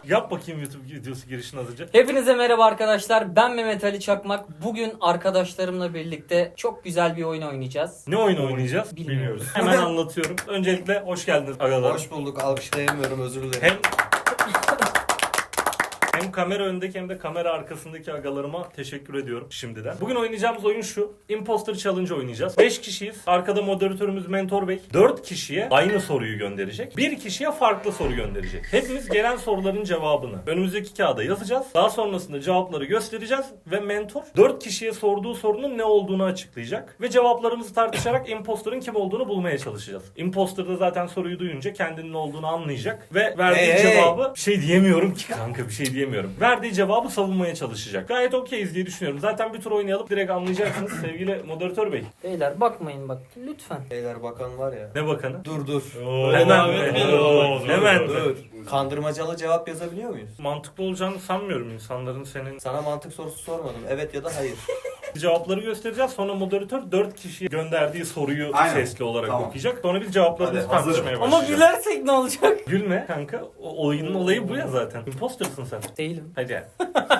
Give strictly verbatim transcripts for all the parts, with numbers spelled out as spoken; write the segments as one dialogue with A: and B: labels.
A: Yap bakayım YouTube videosu girişini azıcık.
B: Hepinize merhaba arkadaşlar. Ben Mehmet Ali Çakmak. Bugün arkadaşlarımla birlikte çok güzel bir oyun oynayacağız.
A: Ne oyun oynayacağız?
B: Bilmiyoruz.
A: Hemen anlatıyorum. Öncelikle hoş geldiniz agalar.
C: Hoş bulduk. Alkışlayamıyorum, özür dilerim.
A: Hem Hem kamera önündeki hem de kamera arkasındaki agalarıma teşekkür ediyorum şimdiden. Bugün oynayacağımız oyun şu. Imposter Challenge oynayacağız. beş kişiyiz. Arkada moderatörümüz Mentor Bey. dört kişiye aynı soruyu gönderecek. bir kişiye farklı soru gönderecek. Hepimiz gelen soruların cevabını önümüzdeki kağıda yazacağız. Daha sonrasında cevapları göstereceğiz ve Mentor dört kişiye sorduğu sorunun ne olduğunu açıklayacak. Ve cevaplarımızı tartışarak imposter'ın kim olduğunu bulmaya çalışacağız. Imposter da zaten soruyu duyunca kendinin ne olduğunu anlayacak ve verdiği
C: Hey, hey.
A: cevabı bir şey diyemiyorum ki kanka bir şey diyemiyorum. Verdiği cevabı savunmaya çalışacak. Gayet okeyiz diye düşünüyorum. Zaten bir tur oynayalım. Direkt anlayacaksınız sevgili moderatör bey.
B: Beyler bakmayın bak lütfen.
C: Beyler bakan var ya.
A: Ne bakanı?
C: Dur dur.
A: Hemen.
C: Oo,
A: Hemen.
C: Dur. Kandırmacalı cevap yazabiliyor muyuz?
A: Mantıklı olacağını sanmıyorum insanların senin.
C: Sana mantık sorusu sormadım. Evet ya da hayır.
A: Cevapları göstereceğiz. Sonra moderatör dört kişiye gönderdiği soruyu
D: Aynen.
A: sesli olarak
D: Tamam.
A: okuyacak. Sonra biz cevaplarımızı
D: Hadi, hazırım.
A: tartışmaya
B: Ama
A: başlayacağız.
B: gülersek ne olacak?
A: Gülme kanka. O oyunun olayı bu ya zaten. Imposter'sın sen.
B: Değilim.
A: Hadi ya.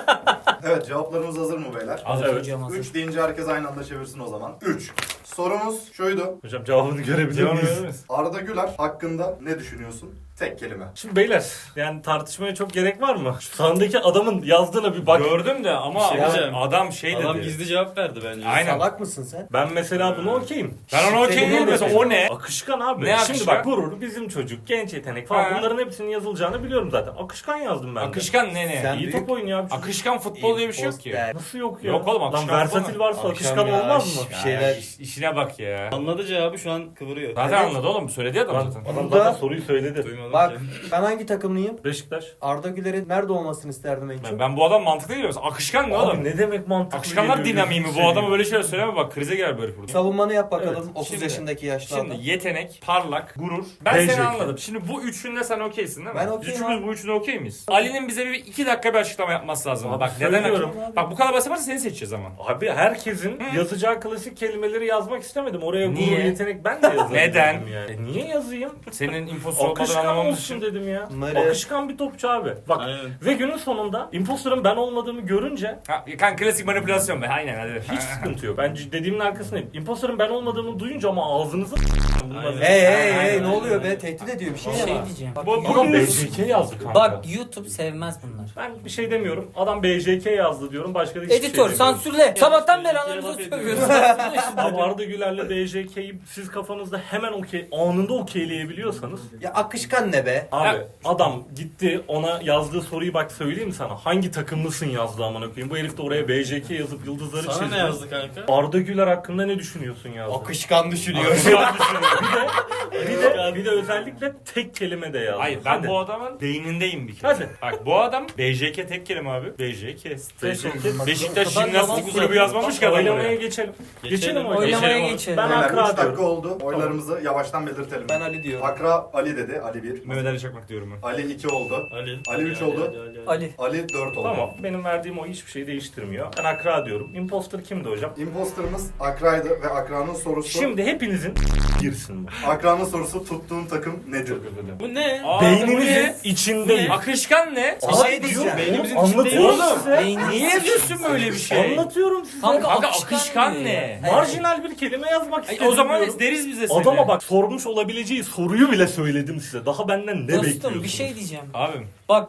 D: Evet, cevaplarımız hazır mı beyler?
A: Hazır.
B: Evet.
A: Evet.
B: Hocam hazır.
D: üç deyince herkes aynı anda çevirsin o zaman. üç. Sorumuz şuydu.
A: Hocam cevabını görebiliyor muyuz?
D: Arda Güler hakkında ne düşünüyorsun? Tek kelime.
A: Şimdi beyler yani tartışmaya çok gerek var mı? Şu sağındaki adamın yazdığına bir bak.
E: Gördüm de ama
C: şey
E: adam,
C: diyeceğim.
E: adam şey dedi.
F: Adam gizli cevap verdi bence.
E: Aynen.
C: Salak mısın sen?
A: Ben mesela bunu okeyim.
E: Ben ona okey
C: Senin
E: değilim
C: ne
E: mesela o ne?
A: Akışkan abi.
E: Ne
A: Şimdi
E: akışkan?
A: bak gurur, bizim çocuk, genç yetenek falan
E: Ha.
A: bunların hepsinin yazılacağını biliyorum zaten. Akışkan yazdım ben de.
E: Akışkan ne ne?
C: Sen-
A: İyi
C: büyük-
A: top oynuyor abi. çocuk.
E: Akışkan futbol diye bir şey yok ki.
C: Imposter.
A: Nasıl yok ya?
E: Yok oğlum, akışkan
A: Lan versatil
E: futbol
A: varsa
C: Akşam
A: akışkan
C: ya,
A: olmaz mı?
C: Bir şeyler-
E: iş- işine bak ya.
F: Anladı cevabı şu an kıvırıyor.
E: Zaten
C: Evet.
E: anladı oğlum söyledi ya adam
A: Lan
E: zaten.
A: adam
C: Burada-
A: zaten soruyu söyledi.
F: Duymadım
C: Bak
F: ki.
C: ben hangi takımlıyım?
A: Beşiktaş.
C: Arda Güler'in nerede olmasını isterdim en
E: Ben,
C: çok.
E: ben bu adam mantıklı değil misin? Akışkan ne
A: Abi
E: oğlum?
A: ne demek mantıklı?
E: Akışkanlar
A: geliyor,
E: dinamiği mi?
A: gözünü
E: Bu adama
A: seveyim.
E: böyle şeyler söyleme bak krize gel böyle burada.
C: Savunmanı yap bakalım.
A: Evet.
C: otuz
E: Şimdi-
C: yaşındaki yaşlı adam.
E: Şimdi yetenek, parlak, gurur. Ben
A: B J K.
E: seni anladım. Şimdi bu üçünde sen okeysin değil mi?
C: Ben
E: Biz
C: okeyim
E: üçümüz
C: abi.
E: bu üçünde okey miyiz? Ali'nin bize bir iki dakika bir açıklama yapması lazım.
A: Abi
E: bak neden
A: söylüyorum.
E: okey? Bak bu kadar basit yaparsa seni seçeceğiz ama.
A: Abi herkesin yazacağı klasik kelimeleri yazmak istemedim. Oraya gurur,
E: Niye?
A: yetenek ben de yazarım.
E: Neden?
A: dedim Yani. E niye yazayım?
E: Senin infosu olmadığını
A: Akışkan
E: anlamamız
A: olsun
E: için.
A: dedim ya.
C: Mare.
A: Akışkan bir topçu abi. Bak
F: Aynen.
A: ve günün sonunda imposter'ın ben olmadığımı görünce
E: Ha, kan klasik manipülasyon be. Aynen hadi.
A: hiç sıkıntı yok. Ben dediğimin arkasındayım. Imposter'ın ben olmadığımı duyunca ama ağzınızı bunlar.
C: Hey hey hey
E: Aynen.
C: ne oluyor be? Tehdit ediyor bir şey
B: Bir
C: ya.
B: şey diyeceğim. Bak,
E: Bu-
B: YouTube-
A: Adam B J K yazdı kanka.
B: bak YouTube sevmez bunlar.
A: Ben bir şey demiyorum. Adam B J K yazdı diyorum. Başka da hiçbir
B: Editör
A: şey demiyorum.
B: sansürle. Sabahtan beri
F: bir
B: anamıza
F: laf ediyor.
B: sövüyorsun.
A: Abi Arda Güler'le B J K'yi siz kafanızda hemen okey, anında okeyleyebiliyorsanız.
C: Ya akışkan ne be?
A: Abi
E: Ya-
A: adam gitti ona yazdığı soruyu bak söyleyeyim mi sana? Hangi takımlısın yazdı amına koyayım. Bu herif de oraya B J K yazıp yıldızları
F: Sana
A: çizdi.
F: ne yazdı kanka?
A: Arda Güler hakkında ne düşünüyorsun yazdı.
C: Akışkan düşünüyor.
A: Akışkan düşünüyor. Bir de, bir de, bir de özellikle tek kelime de yazdı.
E: Hayır ben
A: Hadi.
E: bu adamın beynindeyim bir kere.
A: Hadi.
E: Bak bu adam B J K tek kelime abi. B J K.
A: B J K.
E: Beşiktaş
B: O kadar yalan
E: Jimnastik Kulübü yazmamış ki adam
A: Oylamaya
E: oraya.
A: geçelim.
F: Geçelim.
A: Geçelim oylamaya.
B: Oylamaya
E: Geçelim.
B: geçelim.
A: Ben
D: Beyler
A: Akra
D: üç dakika
A: diyorum.
D: oldu. Oylarımızı yavaştan belirtelim.
C: Ben Ali diyorum.
D: Akra Ali dedi. Ali bir.
E: Mehmet Ali Çakmak diyorum ben.
D: Ali iki oldu.
F: Ali.
D: Ali üç
F: Ali,
D: oldu.
F: Ali, Ali, Ali.
B: Ali.
D: Ali dört oldu.
A: Tamam. Benim verdiğim o hiçbir şey değiştirmiyor. Ben Akra diyorum. Imposter kimdi hocam?
D: Imposter'ımız Akra'ydı ve Akra'nın sorusu...
A: Şimdi hepinizin girsin bu.
D: Akra'nın sorusu tuttuğun takım nedir?
F: Bu ne?
E: Aa,
A: Beyninizin içindeyim.
E: Akışkan ne?
C: Bir şey diyeceğim.
F: Beynimizin
A: Anlatıyorum
F: içindeyiz.
A: size.
B: Beyniniz-
E: Niye yazıyorsun böyle bir şey?
A: Anlatıyorum size.
B: Kanka,
E: Kanka
B: akışkan
E: akışkan
B: ne?
E: ne?
B: Evet.
A: Marjinal bir kelime yazmak
E: Ay,
A: istedim
E: o zaman
A: diyorum.
E: deriz bize seni.
A: Adama bak sormuş olabileceği soruyu bile söyledim size. Daha benden ne bekliyorsunuz?
B: Dostum bir şey diyeceğim.
E: Abim.
B: Bak.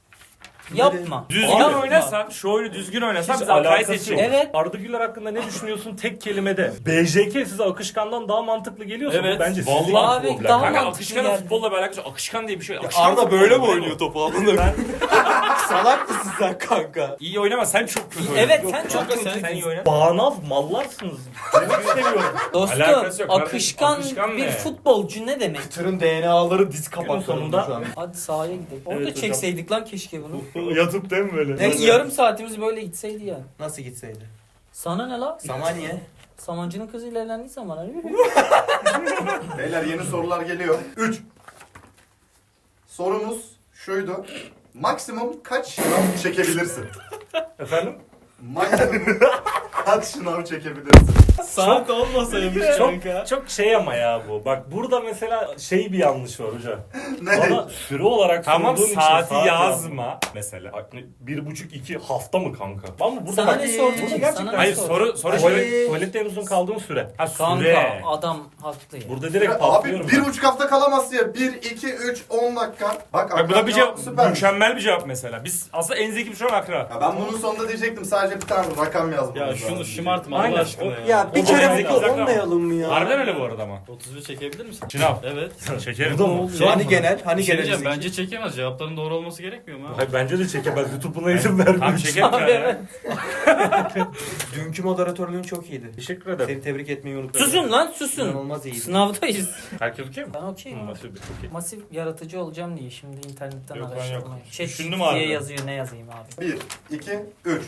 B: Yapma.
E: Düzgün
B: Yapma.
E: oynasan, şu oyunu düzgün oynasan
A: Hiç
E: biz Akay'ı
A: alakası yok.
E: seçiyoruz.
B: Evet.
A: Arda Güler hakkında ne düşünüyorsun tek kelimede? B J K size akışkandan daha mantıklı geliyorsa
F: Evet.
A: bu bence sizin
E: Vallahi
B: abi,
A: problem.
B: daha
E: Kanka
B: mantıklı
E: akışkanın
B: geldi.
E: futbolla bir alakası yok. Akışkan diye bir şey yok. Akışkan
C: Arda
E: futbol
C: böyle mi
E: değil
C: oynuyor topu amına? Salak mısın sen kanka?
E: İyi oynama sen çok kötü
B: Evet
E: oynadın.
B: sen çok
E: Kanka
B: kötü.
E: sen iyi oyna.
A: Bağnaz mallarsınız. Demek seviyorum.
B: Dostum
E: Alakası yok kardeşim.
B: akışkan,
E: Akışkan
B: bir
E: ne?
B: futbolcu ne demek?
C: Tırın D N A'ları diz
A: Günün
C: kapaklarında
A: sonunda-
C: şu an.
B: Hadi sahaya gidelim. Orada
A: Evet hocam.
B: çekseydik lan keşke bunu.
A: Yatıp değil mi böyle?
B: Ne, yarım saatimiz böyle gitseydi ya.
C: Nasıl gitseydi?
B: Sana ne la?
C: Samanya.
B: Samancının kızıyla evlendiysen bana.
D: Beyler yeni sorular geliyor. üç. Sorumuz şuydu. Maksimum kaç şınav çekebilirsin?
A: Efendim?
D: Maksimum Saat şınav çekebilirsin.
F: Saat olmasaymış
A: Çok,
F: kanka.
A: çok şey ama ya bu. Bak burada mesela şey bir yanlış var hocam.
D: Ne?
A: Bana süre olarak
E: Tamam
A: sorduğun için
E: saati
A: saat
E: yazma mesela.
A: Bak ne, bir buçuk iki hafta mı kanka? Ama burada
B: Sana
A: bak,
B: ne sordu
A: burada
B: ki?
A: gerçekten
B: Sana ne
E: Hayır
B: sordu?
E: soru soru
C: Ay.
E: şöyle.
A: tuvalet, tuvalette en uzun kaldığın süre.
E: Ha
B: Kanka
E: süre.
B: adam haklı ya.
A: Burada direkt
D: Abi
A: patlıyorum.
D: bir
A: ben.
D: buçuk hafta kalamazsın ya. Bir, iki, üç, on dakika. Bak
E: Bak bu da bir cevap,
D: süper.
E: mükemmel bir cevap mesela. Biz aslında en zeki bir şu an akra.
D: Ya ben bunun sonunda diyecektim sadece bir tane rakam yazmam.
F: Ya
D: lazım
F: şunu
D: diyecektim.
F: şımartma
A: Aynen.
F: Allah aşkına ya.
C: Ya bir
E: O
C: kere
E: zaman
C: mutlu
E: zeki
C: olmayalım mı ya?
E: Harbiden öyle bu arada ama.
F: otuz bir çekebilir misin?
E: Şınav.
F: Evet.
E: Çekerim.
A: Bu da mı?
C: Hani genel, hani
F: Bir şey
C: genel.
F: diyeceğim,
C: zeki.
F: bence çekemez. Cevapların doğru olması gerekmiyor mu? abi?
A: Hayır, bence de çekemez. YouTube buna izin vermiyor.
E: Tamam çekerim
B: Abi
E: ya.
B: evet.
C: Dünkü moderatörlüğün çok iyiydi.
A: Teşekkür ederim.
C: Seni tebrik etmeyi unutma.
B: Susun lan susun.
C: İnanılmaz iyiydi.
B: Sınavdayız.
A: Herkes okey mi?
B: Ben okeyim.
A: Hı,
B: abi.
A: masif bir, okey.
B: Masif yaratıcı olacağım diye şimdi internetten
E: Yok lan
B: araştırmayı.
E: yok.
B: Şey
E: Düşündüm
B: diye
E: abi.
B: yazıyor ne yazayım abi.
D: Bir, iki, üç.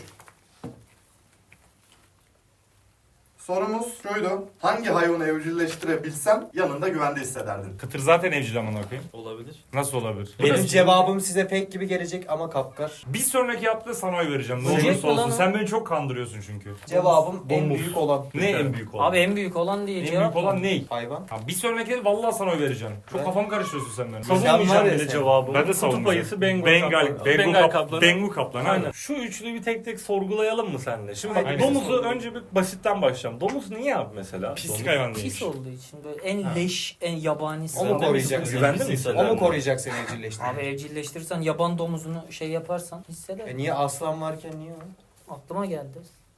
D: Sorumuz şuydu. Hangi hayvanı evcilleştirebilsem yanında güvende hissederdin?
E: Kıtır zaten evcil amına koyayım.
F: Olabilir.
E: Nasıl olabilir?
C: Benim cevabım size pek gibi gelecek ama kapkar.
E: Bir sonraki yaptığı sana oy vereceğim. Ne
B: Olacak
E: olursa
B: mı
E: olsun.
B: lan o?
E: Sen beni çok kandırıyorsun çünkü.
C: Cevabım en
A: Domuz.
C: büyük olan.
E: Ne en büyük olan?
B: Abi en büyük olan diye
E: en
B: cevap
E: büyük olan
B: mı?
E: ne?
C: Hayvan.
E: Ha, bir sonraki vallahi sana oy vereceğim. Çok
C: Ben-
E: kafamı karıştırıyorsun sen benim.
C: Sen var
A: Savunmayacağım
C: ya
A: bile
C: sen.
A: cevabı.
E: Ben de
A: Kutup
E: savunmayacağım.
A: ayısı Bengal,
E: Bengal,
A: kaplanı.
E: Bengal,
A: Bengal
E: kap-
A: kaplanı.
E: Bengal kaplanı.
A: Aynen.
E: Aynen.
A: Şu üçlüyü bir tek tek sorgulayalım mı seninle? Şimdi bak,
E: Aynen.
A: domuzu önce bir basitten başlayalım. Domuz niye abi mesela?
E: Pislik
A: Domuz.
E: hayvan değilmiş.
B: Pis olduğu için böyle en leş, en yabanisi.
C: O mu
F: Sen de
C: koruyacak
F: misin?
C: seni?
A: Güvende
F: Sen
A: mi
F: misin?
C: O mu
A: hisseder?
C: koruyacak seni evcilleştiren?
B: Abi evcilleştirirsen yaban domuzunu şey yaparsan hisseder.
C: E niye aslan varken niye o?
B: Aklıma geldi.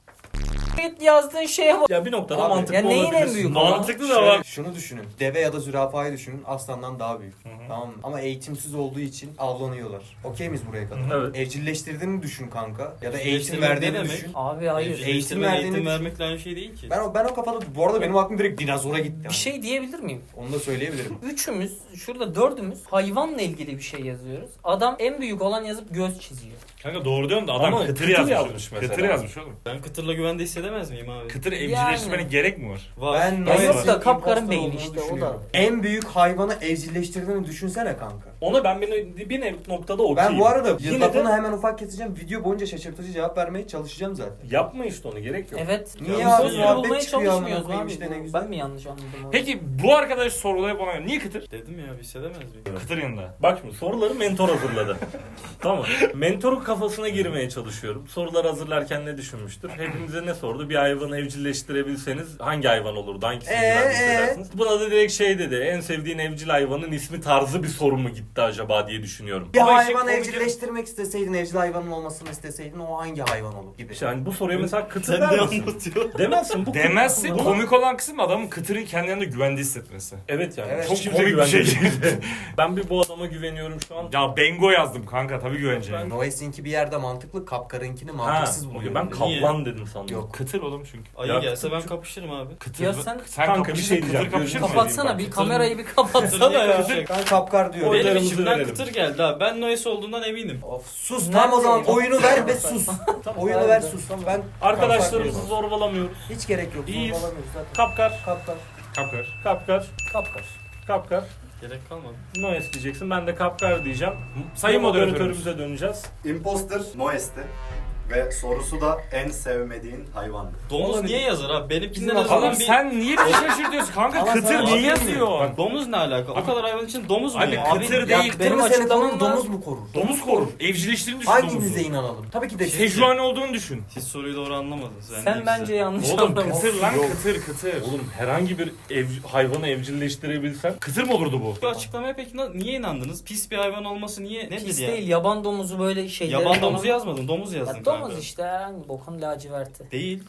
B: Git yazdığın şeye bak.
A: Ya bir noktada
C: Abi,
A: mantıklı
B: ya neyin en
A: olabilir.
B: büyük
E: Mantıklı da
C: Şöyle,
E: var.
C: şunu düşünün. Deve ya da zürafayı düşünün. Aslandan daha büyük. Tamam mı? Ama eğitimsiz olduğu için avlanıyorlar. Okey miyiz buraya kadar?
A: Evet.
C: Evcilleştirdiğini düşün kanka. Ya da eğitim
F: Evcilleştirmek ne
C: verdiğini
F: demek?
C: düşün.
B: Abi hayır.
C: Eğitim
F: Eğitim,
C: verdiğini
F: eğitim
C: düşün.
F: vermekle aynı şey değil ki.
C: Ben o ben o kafada bu arada benim aklım direkt dinozora gitti.
B: Bir
C: yani.
B: şey diyebilir miyim?
C: Onu da söyleyebilirim.
B: Üçümüz, şurada dördümüz hayvanla ilgili bir şey yazıyoruz. Adam en büyük olan yazıp göz çiziyor.
E: Kanka doğru diyorsun da adam
A: Ama
E: kıtır,
A: kıtır
E: yazmış.
A: yazmış mesela.
E: Kıtır yazmış oğlum.
F: Ben kıtırla güvende hissedemez miyim abi?
E: Kıtır evcilleştirmenin gerek mi var?
F: Var.
C: Ben
B: Ya
C: Noel
B: yok da
C: Sinking
B: kapkarın
C: impostor
B: beyni
C: olduğunu
B: işte, o da.
C: düşünüyorum. En büyük hayvanı evcilleştirdiğini düşünsene kanka.
A: Ona ben bir, bir nev- noktada okeyim.
C: Ben bu arada
A: Yine
C: lafını
A: de
C: hemen ufak keseceğim. Video boyunca şaşırtıcı cevap vermeye çalışacağım zaten.
A: yapma işte onu, gerek yok.
B: Evet.
C: Niye
B: Ya,
C: abi?
B: imposter
C: Muhabbet
B: bulmaya
C: çıkıyor amına
B: çalışmıyoruz
C: koyayım
B: abi.
C: işte, ne
B: Bu-
C: güzel.
B: Ben mi yanlış anladım onu?
E: Peki bu arkadaş sorulayıp ona niye kıtır?
F: Dedim ya hissedemez miyim?
E: Kıtır yanında.
A: Bak şimdi soruları mentor hazırladı. Tamam. Mentorun kafasına girmeye çalışıyorum. Sorular hazırlarken ne düşünmüştür? Hepimize ne sordu? Bir hayvanı evcilleştirebilseniz hangi hayvan olurdu? Hangisini
C: Ee,
A: güvenli
C: ee?
A: hissedersiniz? Buna da direkt şey dedi. En sevdiğin evcil hayvanın ismi tarzı bir soru mu gitti acaba diye düşünüyorum.
C: Bir
E: Ama işin
C: hayvan
E: komik-
C: evcilleştirmek isteseydin, evcil hayvanın olmasını isteseydin o hangi hayvan olur gibi.
A: İşte hani bu soruya mesela kıtır
F: Sen
A: der
F: ne
A: misin?
F: anlatıyorsun?
A: Demezsin. Bu
E: Demezsin.
A: Bu-
E: Komik olan kısım adamın kıtırın kendi yanında güvende hissetmesi.
A: Evet yani.
C: Evet.
A: Çok
E: Çok
A: kimse
E: komik bir şey.
A: güvenmiyor. Ben bir bu adama güveniyorum şu an.
E: Ya Bengo yazdım kanka tabii güveneceğim.
C: Noel Sink'i bir yerde mantıklı, kapkarınkini mantıksız
A: Ha,
C: buluyorum.
A: ben kaplan dedim sandım.
C: Yok.
E: Kıtır oğlum çünkü.
F: Ayı
A: Ya,
F: gelse ben kapışırım abi.
E: Kıtır.
B: Ya
E: mı?
B: sen-
E: sen
A: Kanka, bir
E: kapışırsın,
A: şey diyeceğim.
E: Kıtır kapışır mı?
B: Kapatsana bir
E: Kıtır-
B: kamerayı bir
F: Kıtır
B: kapatsana
F: niye
B: ya.
F: kapışacak?
C: Ben kapkar diyorum.
A: Oylarımızı
F: Benim içimden
A: verelim.
F: kıtır geldi abi. Ben Noyes olduğundan eminim.
C: Of, sus tam o zaman
B: Neredeyim?
C: oyunu ver ve sus. oyunu ver sus. Ben
A: Arkadaşlarımızı
C: kapkar
A: zorbalamıyoruz.
C: diyorum. Hiç gerek yok.
A: İyiyiz.
C: Zorbalamıyoruz zaten.
A: Kapkar,
C: Kapkar.
E: Kapkar.
A: kapkar,
B: Kapkar.
A: kapkar.
F: Gerek kalmadı.
A: Noes diyeceksin. Ben de kapkar diyeceğim.
E: Sayın moderatörümüz.
A: moderatörümüze döneceğiz.
D: Imposter Noes'ti. Ve sorusu da en sevmediğin hayvandı.
F: Domuz
C: Oğlum,
F: niye yazar abi? Benimkinden
C: bizim
F: en azından
E: Oğlum
F: bir...
E: sen niye bizi şaşırtıyorsun kanka?
C: Ama
E: Kıtır
C: sana
E: niye
C: abi-
E: yazıyor?
F: Bak domuz ne alaka? O kadar hayvan için domuz mu
E: Abi
F: ya?
E: kıtır
B: Abi,
E: değil.
B: ya
C: Benim
B: Benim
C: seni
B: açıklamam
C: konum
B: var.
C: domuz mu korur?
E: Domuz korur. Evcilleştiğini düşün
C: Hanginize
E: domuzu.
C: inanalım? Tabii ki de siz.
E: Sejuani olduğunu düşün.
F: Siz soruyu doğru anlamadınız. Yani
B: Sen
F: ikisi.
B: bence yanlış
E: Oğlum
B: anlamışsın.
E: kıtır lan
C: Yok.
E: kıtır kıtır.
A: Oğlum herhangi bir ev, hayvanı evcilleştirebilsen
E: Kıtır mı olurdu bu?
F: Bu açıklamaya peki na- niye inandınız? Pis bir hayvan olması niye? Nedir
B: Pis
F: ya?
B: değil, yaban domuzu böyle şeyleri
F: Yaban
B: falan-
F: domuzu yazmadın, domuz yazdın
B: Ya
F: kanka.
B: domuz işte hangi bokun laciverti.
F: Değil.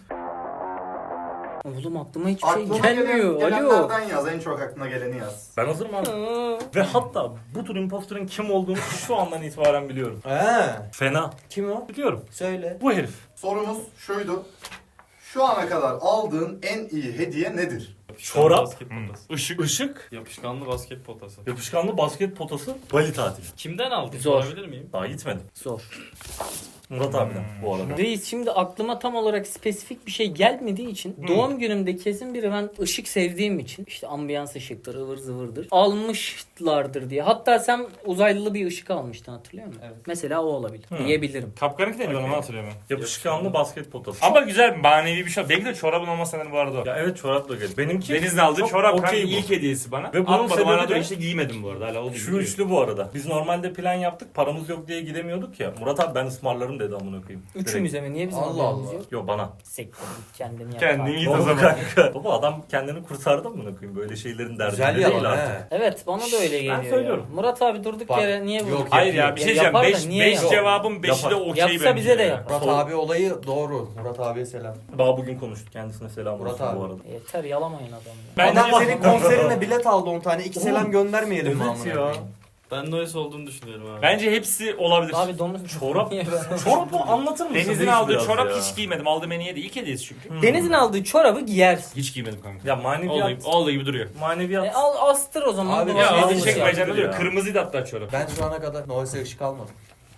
B: Oğlum aklıma hiçbir şey
D: Aklına
B: gelmiyor.
D: gelen,
B: Alo.
D: gelenlerden yaz. En çok aklına geleni yaz.
A: ben hazırım abi.
B: Aa.
A: Ve hatta bu tür imposterın kim olduğunu şu andan itibaren biliyorum.
C: He.
A: Fena.
C: Kim o?
A: Biliyorum.
C: Söyle.
A: Bu herif.
D: Sorumuz şuydu. Şu ana kadar aldığın en iyi hediye nedir?
A: Çorap.
F: Basket potası.
E: Işık.
A: Işık.
F: Yapışkanlı basket potası.
A: Yapışkanlı basket potası. Bali tatili.
F: Kimden aldın?
B: Zor.
F: Sorabilir miyim?
A: Daha gitmedim.
B: Zor.
A: Murat abiden bu arada.
B: Reis şimdi aklıma tam olarak spesifik bir şey gelmediği için doğum günümde kesin biri ben ışık sevdiğim için işte ambiyans ışıktır ıvır zıvırdır almışlardır diye. Hatta sen uzaylılı bir ışık almıştın hatırlıyor musun?
C: Evet.
B: Mesela o olabilir
A: Hı.
B: diyebilirim.
E: Kapkaranlık değil onu hatırlıyorum ben.
A: Yapışkanlı basket potası.
E: Ama güzel manevi bir şey. Belki de çorabın olmasa bu arada o.
A: Ya evet çorapla gel. Benimki
E: Deniz'in aldığı
A: çok
E: çorap kanka
A: okey bu.
E: ilk hediyesi bana.
A: Ve bunun
E: Atmadım hala
A: sebebi
E: da
A: de-
E: işte giymedim bu arada hala oldu.
A: Şu üçlü bu arada. Biz normalde plan yaptık. Paramız yok diye gidemiyorduk ya. Murat abi ben ısmarlarım dedi amına koyayım.
B: Üçümüze mi? Niye bizim
C: Allah
B: haberimiz
C: Allah.
B: yok?
A: Yo bana.
B: Sektir git kendini yap.
E: Kendin
B: abi.
E: git o
A: Oğlum
E: zaman.
A: kanka. Baba adam kendini kurtardı amına koyayım. Böyle şeylerin derdinde
C: Güzel
A: değil
C: yalan
A: artık.
C: he.
B: Evet bana da öyle geliyor.
A: söylüyorum.
B: ya. Murat abi durduk
C: Bak,
B: yere niye bu?
C: yok,
E: Hayır ya bir şey diyeceğim.
B: Yapar da
E: beş
B: niye
E: beş
B: yapar?
E: cevabın beşi de
A: Yapar.
E: okey
B: Yapsa
E: bence
B: bize de
E: ya.
B: yapar.
C: Murat
A: Sol-
C: abi olayı doğru. Murat abiye selam.
A: Daha bugün konuştuk. Kendisine selam
C: Murat
A: olsun
C: abi.
A: bu arada.
B: Yeter yalamayın adamı.
E: Bence
C: Adam
E: de-
C: senin konserine bilet aldı on tane. İki selam
A: Oğlum,
C: göndermeyelim mi
A: evet
C: amına
A: ya.
C: koyayım?
F: Ben Noise olduğunu düşünüyorum abi.
E: Bence hepsi olabilir.
B: Abi domuz
A: Çorap.
B: Niye böyle?
A: Çorabı anlatır mısın?
E: Deniz'in
A: Reis
E: aldığı
A: biraz
E: çorap
A: ya?
E: hiç giymedim. Aldığım en iyi de ilk hediyesi çünkü.
A: Hmm.
B: Deniz'in aldığı çorabı giyersin.
E: Hiç giymedim kanka.
A: Ya
E: Olduğu
A: maneviyat.
E: gibi, olduğu gibi duruyor.
A: Maneviyat.
B: E, al astır o zaman.
C: Abi,
B: Abi,
E: Ya
C: Şey
E: ağzı
C: diyeceğim.
E: çekmeyeceğim
A: ya.
E: duruyor. Kırmızıydı hatta çorap.
C: Ben şu ana kadar Nois'e ışık almadım.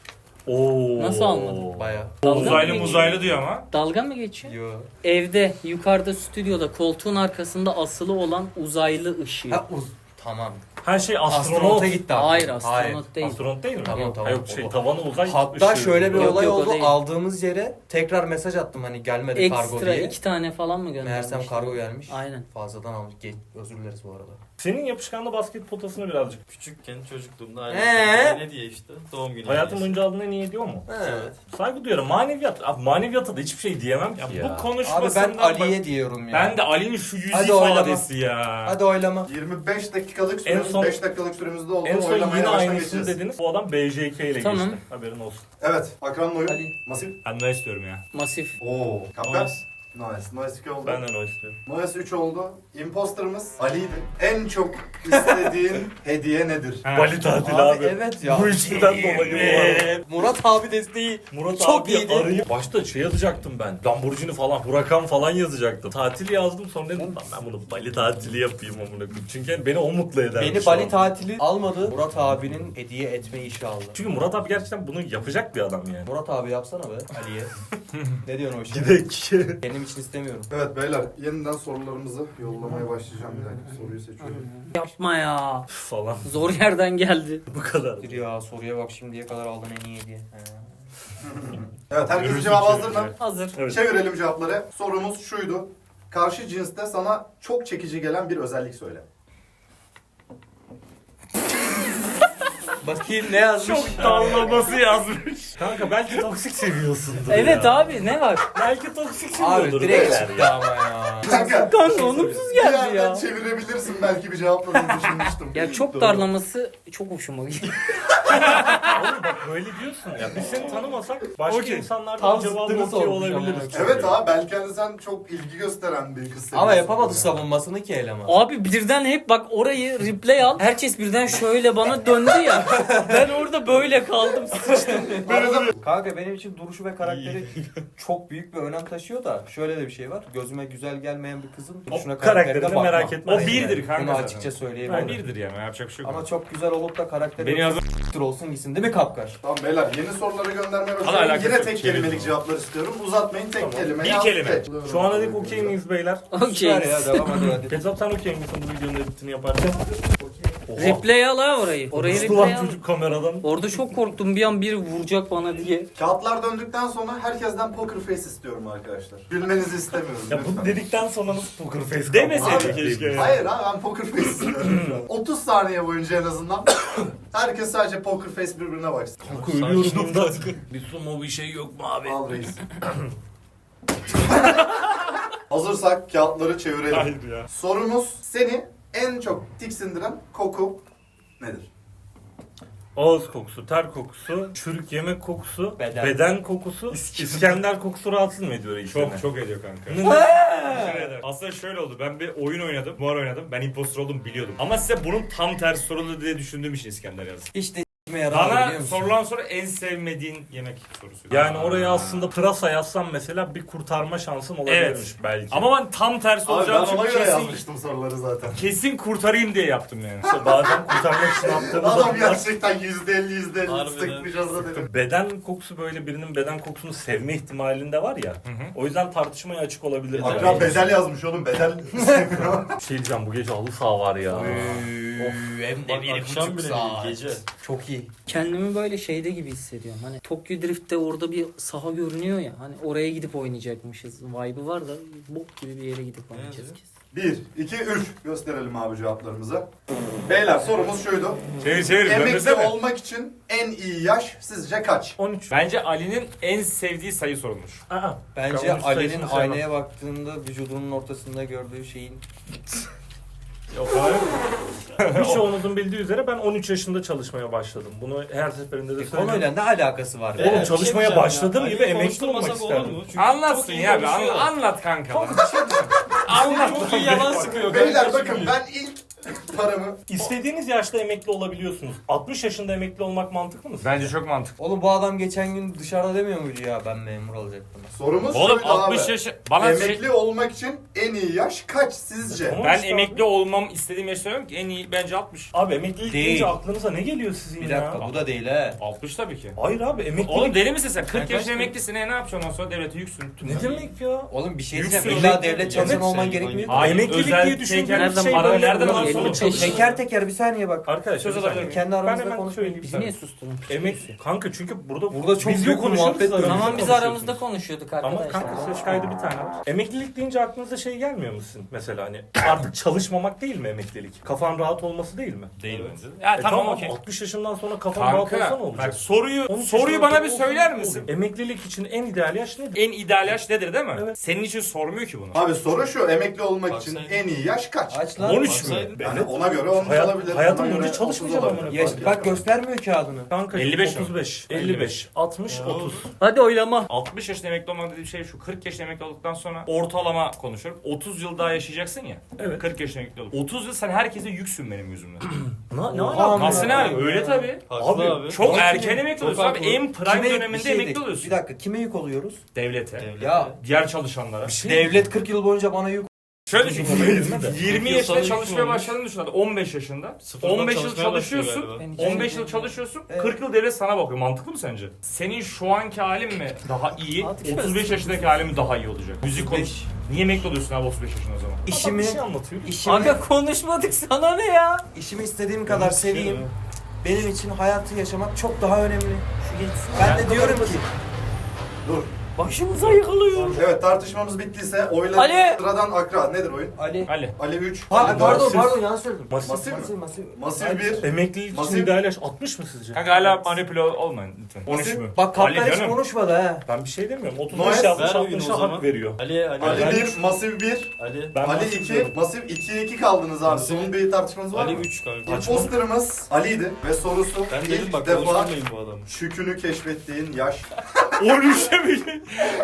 A: Oo.
B: Nasıl almadın?
C: Baya.
B: Dalga
E: Uzaylı
B: mı
E: muzaylı diyor ama.
B: Dalga mı geçiyor?
C: Yo.
B: Evde, yukarıda, stüdyoda, koltuğun arkasında asılı olan uzaylı ışığı.
C: Ha, uz- tamam.
A: Her şey astronot.
C: Astronota gitti artık.
B: Hayır astronot değil.
A: Astronot değil mi?
C: Tamam, tamam.
A: Ha, yok şey tavanı uzay
C: Hatta
A: ışığı.
C: şöyle bir
B: Yok,
C: olay
B: yok, o
C: oldu.
B: değil.
C: Aldığımız yere tekrar mesaj attım hani gelmedi kargo
B: Ekstra
C: diye.
B: iki tane falan mı göndermiş?
C: Meğersem kargo gelmiş.
B: Aynen.
C: Fazladan almış. Ge- Özür dileriz bu arada.
A: Senin yapışkanlı basket potasını birazcık.
F: Küçükken çocukluğumda
C: Ee?
F: aile ne diye işte doğum günü.
A: Hayatım
F: hediyesi.
A: boyunca aldığın en iyi ediyor mu?
C: Evet.
A: Saygı duyuyorum. Maneviyat. Abi maneviyata da hiçbir şey diyemem ki
E: Ya,
A: ya.
E: bu
C: Abi
E: konuşmasından
C: ben
E: bak-
C: Ali'ye diyorum ya.
E: Ben de Ali'nin şu yüz
C: Hadi oylama.
E: ifadesi ya.
C: Hadi oylama.
D: yirmi beş dakikalık
A: En
D: süremiz,
A: son-
D: beş dakikalık süremizde oldu.
A: En son
D: Oylamaya
A: yine
D: yavaştan
A: aynısını
D: geçeceğiz.
A: dediniz. Bu adam B J K ile
B: Tamam.
A: geçti. Haberin olsun.
D: Evet. Akran'ın oyun.
C: Ali.
D: Masif.
E: Ben ne istiyorum ya.
B: Masif.
D: Oo. Kaptan.
E: Noise.
D: Noise. Noise iki oldu.
A: Ben de o istiyorum.
D: Noise üç oldu. Imposter'ımız Ali'ydi. En çok istediğin hediye nedir?
E: Ha.
A: Bali tatili abi.
C: Abi evet ya.
A: Bu üçlüden dolayı bu arada.
C: Murat abi desteği.
A: Murat
C: Çok
A: abi
C: iyiydi.
A: arayıp başta şey yazacaktım ben. Lamborghini falan, Huracan falan yazacaktım. Tatil yazdım sonra dedim "Lan ben bunu Bali tatili yapayım amına koyayım. Çünkü beni o mutlu eder.
C: Beni Bali tatili almadı. Murat abinin hediye etme işi aldı.
A: Çünkü Murat abi gerçekten bunu yapacak bir adam yani.
C: Murat abi yapsana be Ali'ye. Ne diyorsun o işe?
A: Gidek.
C: Benim için istemiyorum.
D: Evet beyler yeniden sorularımızı yollamaya başlayacağım. Bir dakika soruyu seçiyorum.
B: Yapma ya.
A: falan.
B: Zor yerden geldi.
A: Bu kadar.
C: Dur ya soruya bak şimdiye kadar aldın en iyi hediye. He.
D: Evet herkesin
E: Görürsün
D: cevabı
E: ki-
D: hazır mı?
B: Hazır.
A: Evet.
D: Çevirelim cevapları. Sorumuz şuydu. Karşı cinste sana çok çekici gelen bir özellik söyle.
C: Bakayım ne yazmış?
E: Çok dallaması yazmış.
A: Kanka belki toksik seviyorsundur
B: Evet
A: ya.
B: abi ne var?
A: Belki toksik
C: Abi
A: seviyordur.
C: direkt
A: beyler
C: çıktı
A: ya.
C: ama ya.
D: Kanka
B: Kanka olumsuz
D: bir
B: geldi
D: yerden
B: ya.
D: çevirebilirsin belki bir cevapladığını düşünmüştüm.
B: Ya çok
A: Doğru.
B: darlaması çok hoşuma gitti.
A: Oğlum bak böyle diyorsun ya. Biz seni tanımasak başka
E: Okey.
A: insanlardan
C: Tam
A: cevabı
C: zıttını
A: okey
C: sormuş
A: olabiliriz.
C: ama.
D: Evet abi belki hani sen çok ilgi gösteren bir kız
C: Ama
D: seviyorsun.
C: yapamadı savunmasını ki eleman.
B: Abi birden hep bak orayı replay al. Herkes birden şöyle bana döndü ya. Ben orada böyle kaldım. Sıçtım.
C: Kanka benim için duruşu ve karakteri çok büyük bir önem taşıyor da şöyle de bir şey var. Gözüme güzel gelmeyen bir kızın duruşuna
A: O karakterini
C: bakmam.
A: merak etme.
E: O birdir kanka
C: Bunu
E: zaten.
C: açıkça
E: O
C: söyleyebilirim.
E: birdir yani yapacak bir şey yok.
C: Ama çok güzel olup da karakteri
E: Beni yazın.
C: s**tir olsun gitsin değil mi Kapkar?
D: Tamam beyler yeni soruları göndermeye
E: Hala
D: başlıyorum.
E: alakası
D: Yine
E: yok,
D: tek
E: çevirin
D: kelimelik
E: onu.
D: cevaplar istiyorum. Uzatmayın tek kelime.
E: Bir
D: yaz,
E: kelime.
D: tek.
A: Şu ana dek okey miyiz beyler?
B: Okey.
C: Süper ya devam hadi hadi.
A: Ketap sen okey misin bu videonun editini yaparken? Oha.
B: Replay al ha orayı. Orayı
A: Uçtu
B: replay
A: lan
B: al.
A: çocuk kameradan.
B: Orada çok korktum bir an biri vuracak bana diye.
D: Kağıtlar döndükten sonra herkesten poker face istiyorum arkadaşlar. Gülmenizi istemiyorum.
A: Ya
D: lütfen.
A: bunu dedikten sonra nasıl poker face
E: Demeseydin
A: kaldı?
E: keşke.
D: Hayır abi ben poker face istiyorum şu an. otuz saniye boyunca en azından herkes sadece poker face birbirine baksın.
A: Kanka ölüyorum bundan. Bir sumo bir şey yok mu abi?
D: Al reis. Hazırsak kağıtları çevirelim.
E: Hayır ya.
D: Sorumuz seni en çok tiksindiren koku nedir?
A: Ağız kokusu, ter kokusu, çürük yemek kokusu, beden,
C: Beden.
A: kokusu, İskender kokusu rahatsız mı ediyor ilk
E: Çok
A: sene?
E: çok ediyor kanka.
A: Ne-
E: Teşekkür ederim. Aslında şöyle oldu. Ben bir oyun oynadım. Var oynadım. Ben impostor olduğumu biliyordum. Ama size bunun tam tersi soruldu diye düşündüğüm için İskender yazdım.
C: İşte
E: Bana sorulan soru en sevmediğin yemek sorusu.
A: Yani oraya aslında pırasa yazsam mesela bir kurtarma şansım olabilirmiş belki.
E: Ama ben tam tersi
D: Abi ben
E: olacağını
D: ona göre
E: kesin,
D: yazmıştım soruları zaten.
E: kesin kurtarayım diye yaptım yani.
A: İşte bazen kurtarmak için yaptığımız
D: Adam
A: adımlar-
D: gerçekten yüzde elli yüzde elli
F: Harbiden.
D: sıkmış olsa dedim.
A: Beden kokusu böyle birinin beden kokusunu sevme ihtimalinde var ya. O yüzden tartışmaya açık olabilir.
D: Akra
A: Yani.
D: bedel yazmış oğlum bedel.
A: Bir şey diyeceğim, bu gece halı saha var ya.
C: Hem
F: Bak, akşam bile değil, gece.
C: Çok iyi.
B: Kendimi böyle şeyde gibi hissediyorum. Hani Tokyo Drift'te orada bir saha görünüyor ya. Hani oraya gidip oynayacakmışız. Vibe'ı var da bok gibi bir yere gidip oynayacağız kesin.
D: bir, iki, üç. Gösterelim abi cevaplarımızı. Beyler sorumuz şuydu.
E: Çevir çevir.
D: Emekli
E: döndürsene.
D: olmak için en iyi yaş sizce kaç?
A: on üç.
E: Bence Ali'nin en sevdiği sayı sorulmuş.
A: Aa,
C: Bence
A: Ben onun
C: Ali'nin
A: sayısını sevmem.
C: aynaya baktığında vücudunun ortasında gördüğü şeyin
E: Yok hayır.
A: birçoğunuzun bildiği üzere ben on üç yaşında çalışmaya başladım. Bunu her seferinde de söylüyorum.
C: konuyla ne alakası var?
A: Oğlum,
C: ya?
A: çalışmaya
F: diyeceğim
A: başladığım
F: ya.
A: gibi
F: Ali'yi
A: emekli olmak
F: konuşturmasak
A: isterdim.
F: olur mu? Çünkü
E: Anlatsın
F: çok iyi
E: ya be.
F: konuşuyor.
E: Anla, anlat kanka.
F: Anlat. Çok iyi yalan sıkıyor.
D: Beyler
F: kardeşim
D: bakın
F: diyor.
D: ben ilk paramı
A: İstediğiniz yaşta emekli olabiliyorsunuz. altmış yaşında emekli olmak mantıklı mı?
E: Bence çok mantıklı.
C: Oğlum bu adam geçen gün dışarıda demiyor muydu ya ben memur olacaktım.
D: sorumuz
E: Oğlum
D: şuydu
E: altmış
D: abi.
E: yaş bana şey,
D: Emekli olmak için en iyi yaş kaç sizce?
A: Tamam.
E: ben
A: işte
E: emekli olmam istediğim yaş söylüyorum ki en iyi bence altmış.
A: Abi emeklilik
C: Değil.
A: deyince aklınıza ne geliyor sizin
C: Bir
A: ya?
C: dakika bu da değil he.
E: altmış tabii ki.
A: Hayır abi emeklilik...
E: Oğlum deli misin sen? kırk
F: kaç
E: yaşında
F: mı?
E: emeklisin. E ne yapacaksın ondan sonra devlete yüksün.
A: Ne demek ya?
C: Oğlum bir şey
E: Yüksün
C: diyeceğim.
E: oğlum.
C: İlla devlet çalışanı
A: Evet,
C: olman
F: sen-
C: gerekmiyor.
E: Hayır,
A: Emeklilik
E: özel
A: diye düşündüğünüz
E: teker-
A: şey
E: para
A: böyle
E: nereden
A: oluyor.
E: alırsan
A: Elli
E: al.
A: beş.
C: Teker teker bir saniye bak.
A: Arkadaşlar
E: Söz
A: bir
E: alabilir
A: saniye.
E: miyim?
C: Kendi
A: Ben
C: aramızda
A: hemen
C: konuşmayın.
A: söyleyeyim.
B: Bizi niye susturun?
A: Emek kanka çünkü burada
C: Burada çok
A: video
C: büyük bir
A: konuşuyoruz
C: muhabbet
A: da
C: dönüyor.
A: video
B: Tamam biz
A: konuşuyorsunuz.
B: aramızda konuşuyorduk
A: Ama
B: arkadaşlar.
A: kanka ses kaydı bir tane var. Emeklilik deyince aklınıza şey gelmiyor musun? Mesela hani artık çalışmamak değil mi emeklilik? Kafan rahat olması değil mi?
E: Değil bence. Ya
A: E
E: tamam okey.
A: altmış yaşından sonra kafan rahat olsa ne
E: Kanka
A: olacak?
E: bak soruyu
A: on üç
E: soruyu
A: yaşından
E: bana bir
A: sonra
E: söyler
A: olur.
E: misin?
A: Emeklilik için en ideal yaş nedir?
E: En ideal yaş nedir değil mi?
A: Evet.
E: Senin için sormuyor ki bunu.
D: Abi soru şu emekli olmak
F: Bak
D: için
F: sen-
D: en iyi yaş kaç?
C: Aç lan.
E: on üç mü?
F: Baksaydın.
D: Yani ona göre olmuş
A: Hayat-
D: olabilir.
A: hayatım
D: ona
A: boyunca
D: göre
A: çalışmayacağım
D: otuz olabilir.
A: amına
C: Yaş, bak göstermiyor kağıdını.
A: Kanka
E: elli beş
A: otuz beş, elli beş, altmış, otuz.
B: Hadi oylama.
E: altmış yaşında emekli olmak dediğim şey şu. kırk yaşında emekli olduktan sonra ortalama konuşuyorum. otuz yıl daha yaşayacaksın ya.
A: Evet.
E: kırk yaşında emekli olup. otuz yıl sen herkese yüksün benim yüzümden.
A: Ne, ne
C: Oha,
A: alaka?
E: Nasıl
C: ya.
E: ne? Öyle tabii.
F: Haklı
A: Abi,
F: abi.
E: Çok
C: Nasıl
E: erken
C: yani?
E: emekli
F: Çok
E: oluyorsun abi.
F: haklı.
E: En prime
C: Kime-
E: döneminde
C: bir şey
E: emekli
C: de-
E: oluyorsun.
C: Bir dakika kime yük oluyoruz?
E: Devlete.
F: Devlet.
C: Ya
E: Diğer çalışanlara.
A: şey
C: devlet kırk yıl boyunca bana yük.
E: Şöyle düşün. yirmi
F: Yıl
E: yaşında
F: sana
E: çalışmaya
F: yük mü
E: başladığını düşün hadi. on beş yaşında.
F: Sıfırdan
E: on beş yıl
F: çalışmaya başlıyor
E: çalışıyorsun.
F: galiba.
B: Ben
E: on beş
B: hiç-
E: yıl çalışıyorsun.
C: Evet.
E: kırk yıl devlet sana bakıyor. Mantıklı mı sence? Senin şu anki halin mi daha iyi?
B: Artık
E: otuz beş yaşındaki halin mi daha iyi olacak? Müzik konuş.
C: beş.
E: Niye emekli oluyorsun abi otuz beş yaşında o zaman?
A: Adam
C: İşimi,
A: bir şey anlatıyor.
C: işimi,
B: Aga konuşmadık sana ne ya?
C: işimi istediğim kadar seveyim. Benim için hayatı yaşamak çok daha önemli.
B: Şu geçsin.
C: Ben de diyorum ki
D: Dur.
B: Başımıza yıkılıyor.
D: Evet tartışmamız bittiyse oylar
B: Ali!
D: sıradan Akra. Nedir oyun?
C: Ali.
E: Ali.
D: Ali üç.
C: Ha,
D: Ali
C: pardon
D: dört.
C: pardon yanlış söyledim.
A: Masif.
D: Masif mi?
C: Masif masif.
D: Masif bir.
A: Emeklilik için
D: Masif-
A: ideal yaş altmış mı sizce?
E: Kanka hala manipüle olmayın lütfen. on üç
D: Nasıl?
E: mü?
C: Bak
E: Ali
C: kaptan hiç
E: canım.
C: konuşmadı ha.
A: Ben bir şey demiyorum. otuz
D: Noel,
A: beş yapmış
F: ver oyunu o
A: altmışa
F: zaman.
A: hak veriyor.
F: Ali Ali
D: Ali
F: Ali.
D: bir, Masif bir.
F: Ali.
A: Ben
D: Ali
A: Masif
D: iki,
A: diyorum.
D: Masif ikiye iki kaldınız abi.
F: Masif-
D: Son bir tartışmanız var
F: Ali
D: mı?
F: üç kanka.
D: Imposterımız Ali'ydi ve sorusu
F: Ben dedim
D: ilk
F: bak
D: defa
F: konuşturmayın bu adamı.
D: şükünü keşfettiğin yaş.
E: on üçe mi?